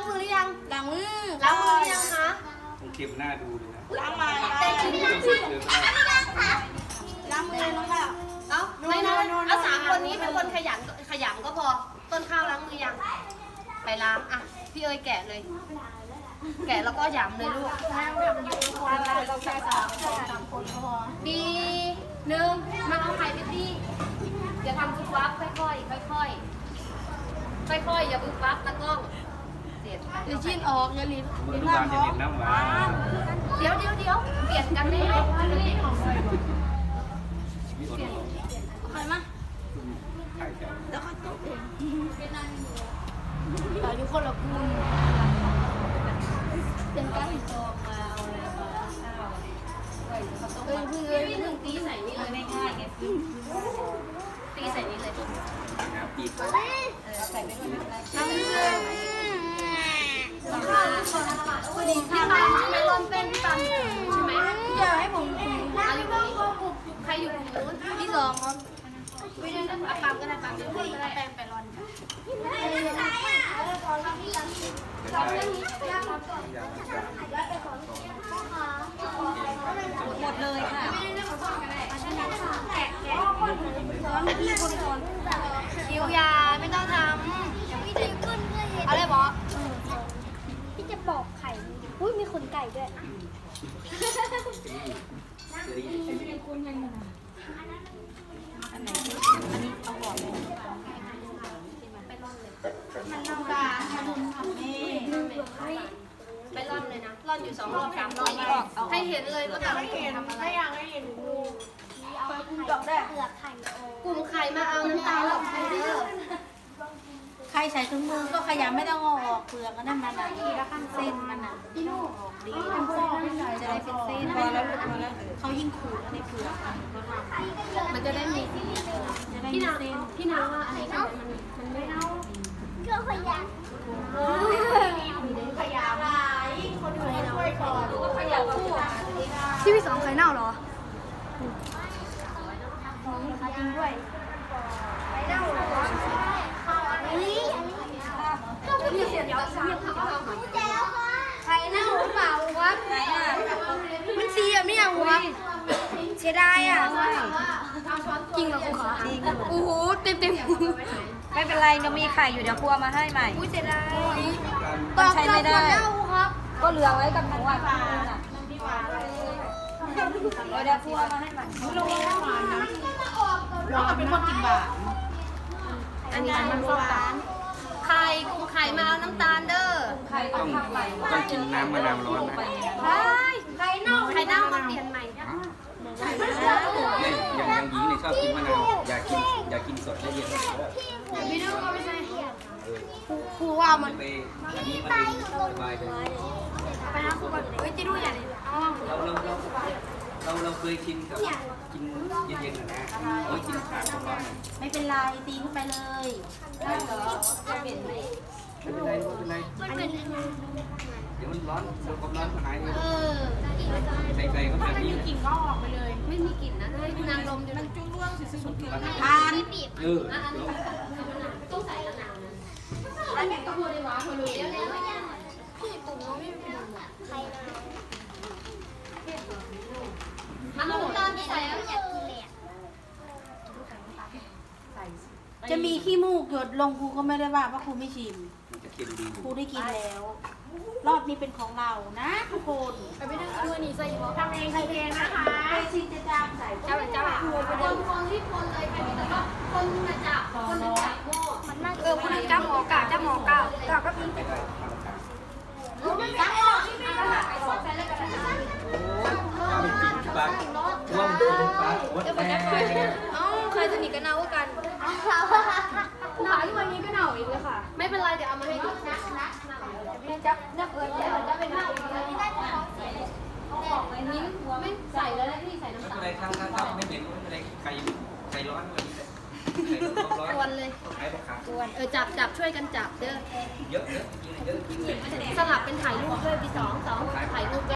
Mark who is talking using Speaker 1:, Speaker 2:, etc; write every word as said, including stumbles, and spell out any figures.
Speaker 1: มือหรือยัง
Speaker 2: ล้างมือ
Speaker 1: ล้างมือหรือยังคะ
Speaker 3: ผมเค็มหน้าดูเลยนะ
Speaker 2: ล้างมา
Speaker 1: แต่กินน้ำจิ้ม
Speaker 2: ล้างมือน้องค่ะ
Speaker 1: เอ้าไม่นะเอาสามคนนี้เป็นคนขยันขยำก็พอต้นข้าวล้างมือยังไปล้างอ่ะพี่เอ๋ยแกะเลย แกะแล้วก็ยำเลยลูก
Speaker 2: เราแค่สามสามคนก็พอ
Speaker 1: ดีหนึ่งมาเอาไข่ไปที่อย่าทำซุปวับค่อยๆค่อยๆค่อยๆอย่าบึ้บวับตะกล้องเสียด
Speaker 2: เดี๋ยวชิ้นออกอย่าลิ้น
Speaker 3: มือลูกบานจะเห็นน้ำหวาน
Speaker 1: เดี๋ยวเดี๋ยวเดี๋ยวเปลี่ยนกันได้ไหม
Speaker 3: ชีวิตอ่อน
Speaker 2: ใครมา
Speaker 3: ๆไข่แก้ว
Speaker 2: แล้วก็ตกเองแต่ทุกคนละคุณเป็นการหินตอกมาเอาอะไรมาเอ้ยเพิ่งเอ้ยเพิ่งตีใส่นี่เลยไม่ง่ายไง
Speaker 1: ตีใส่นี้เลย
Speaker 3: น้ำปีก
Speaker 2: เออใส่ไปด้วยไม่เป็นไร
Speaker 1: ทำเลยข้าวทุกคนพี่ปันใช่ไหมรอนเป็นพี่ปันใช่ไหม
Speaker 2: อย่าให้ผม
Speaker 1: เอาอยู่นี้ใครอยู่ตรงนู้น
Speaker 2: ที่สองครับ
Speaker 1: ไม่ได้เอาปั๊มก็ได้ปั๊มเดี๋ยวคนก็ได้แปลงไปรอน
Speaker 2: หมดเลยค่ะ
Speaker 1: คิวยาไม่ต้องทำพี่จะขึ้นเพื่ออะไรบอ
Speaker 4: พี่จะบอกไข่ อุ้ยมีขนไก่ด้วย
Speaker 2: อันไหนอันนี้เอาก่อนเลย
Speaker 1: ไปร่อนเลย
Speaker 2: มันน้ำตาขนมทำนี่
Speaker 1: ไปร่อนเลยนะร่อนอยู่สองรอบสามรอบให้เห็นเลยว่าแต่ละคนทำอะไร
Speaker 4: เอาไข่เปลือกไข่โอก
Speaker 1: ลุ่มไข่มาเอาน้ำตาลหลอกไข่เด้อ
Speaker 2: ใครใส่ถุงมือก็ขยำไม่ต้องเอาออกเปลือกก็นั่นมันอ่ะเส้นมันอ่ะพี่ลูกออกดีจะได้เป็นเส้นพอแล้วลูกพอแล้วเขายิ่งขูดในเปลือกก็ทำ
Speaker 1: มันจะได้มีสี
Speaker 2: จะได้
Speaker 1: พี่
Speaker 2: มี
Speaker 1: นาง
Speaker 2: เส้น
Speaker 1: พี่นางว่าอันนี้มันมันไม่เอา
Speaker 4: เครื่องขยะ
Speaker 1: ที่พี่สองไข่เน่าเหรอ
Speaker 4: จริงด้วยไข่เน่าเหรอเฮ้ยอันนี้
Speaker 1: เดี๋ยวเดี๋ยวเดี๋ยวเขาเอา
Speaker 4: กูแจวค่ะไข่เน่าหรือเปล่าวะ
Speaker 2: ไหนอ่ะ
Speaker 4: มันสีอ่ะไม่เอาวะเสียดายอ่ะ
Speaker 1: จริงเหรอคุณขา
Speaker 2: จริง
Speaker 1: โอ้โหเต็มเต็ม
Speaker 2: ไม่เป็นไรเรามีไข่อยู่เดี๋ยวครัวมาให้ใหม่
Speaker 4: อุ้ยเสียดาย
Speaker 2: มันใช้ไม่ได้
Speaker 4: เน่าครับ
Speaker 2: ก็เหลือไว้กับหนูอ่ะเดี๋ยวครัวมาให้ใหม่
Speaker 4: เราเป็นคนกินบา
Speaker 1: อันนี้มันฟอกตาไข่กุ้งไข่มาเอาน้ำตาลเด้อ
Speaker 2: ไข่
Speaker 3: ต้
Speaker 2: ต้
Speaker 3: อ
Speaker 2: อง งทำใหม่
Speaker 3: ต้องกินน้ำมะนาวร้อนนะ
Speaker 1: ไข่ไข่เน่าไข่เน่ามาเปลี่ยนใหม่
Speaker 3: เนี่ยอย่างอย่างหญิงเนี่ยชอบกินมะนาวอยากกินอยากกินสดและเย็น
Speaker 1: ไม่รู้ก็ไม่ใช่
Speaker 3: ครูว่ามันไปอันนี้มันสบายเลย
Speaker 1: ไปนะครูก่อนเฮ้ยจิดูอย่าเลยอ๋อ
Speaker 3: เราเราเราเราเราเคยชินกับกินเย็นๆนะนะโอ้ยกินขาดร้อน
Speaker 2: ไม่เป็นไรตีเข้าไปเลยได้เหรอจะเปลี่ยนไหม
Speaker 3: ไม่เป็นไรไม่เป็นไร
Speaker 4: มันเป็น
Speaker 3: เดี๋ยวมันร้อนเดี๋ยวความร้อนมันหายเอง
Speaker 1: เออ
Speaker 3: ใส่ใจก็แบบนี้
Speaker 1: กลิ่นก็ออกไปเลย ไม่มีกลิ่นนะให้คุณนางดมดูมันจุ้งร่วงสุดๆ
Speaker 2: ทาน
Speaker 3: เออ
Speaker 1: อ่ะอันนี้ต้องใส่ละนาวนะอันนี้ก็พูดได้ว่าคนรู้เดี๋ยวเดี๋ยว
Speaker 4: พี่ตุ่มน้องไม่เป็นไข่เน่า
Speaker 1: มันน้ำตาลใส่
Speaker 4: อยากกินเลยอ่ะ
Speaker 2: จะมีขี้มูกหยดลงครูก็ไม่ได้ว่าเพราะครูไม่ชิม
Speaker 3: มันจะเค็มดี
Speaker 2: ครูได้กินแล้ว รอบนี้เป็นของเรานะทุกคน
Speaker 1: ไปไม่ได้ด้วยนี่ใส่หัว
Speaker 4: ทำเองใส่เองนะคะ
Speaker 2: ไปชิมจะจามใส่
Speaker 1: เจ้าเจ้าคนคนที่คนเลยใครมีแต่ก็คนมาจับคนมาจับโม่
Speaker 4: มันน่า
Speaker 1: เออคนจับหมอกาจับหมอกากาก็มี
Speaker 3: ไม่ได้มาตรฐาน
Speaker 1: จับหมอที่ไม่ได้ไปสอนใส่แล้วกันนะ
Speaker 3: ถ้าไม่กินปลาว่างกินปลาวัดแม่
Speaker 1: เอ้าใครสนิทกันเนากันหนาที่วันนี้ก็หนาวอีกเลยค่ะ ไม่เป็นไรเดี๋ยวเอามาให้ดูนะนะพี่จับนักเอิญเดี๋ยวจะเป็นหน้าอีกเลยไม่ได้จะท้องเสียเอาออกเลยนิ้วไม่ใส่แล้วที่ใส่น้ำ
Speaker 3: ไม่
Speaker 1: ตา
Speaker 3: เป็น
Speaker 1: ล
Speaker 3: ไรครับครับไม่เหม็นไม่เป็นไรไข่ไข่ร้อนวันนี้ไข่ร้อน
Speaker 1: กวนเลย
Speaker 3: ไข่ปลาขาว
Speaker 1: กวนเออจับจับช่วยกันจับเด้อ
Speaker 3: เยอะเยอะกินเยอะกินเลย
Speaker 1: สลับเป็นถ่ายรูปด้วยพี่สองสองถ่ายรูป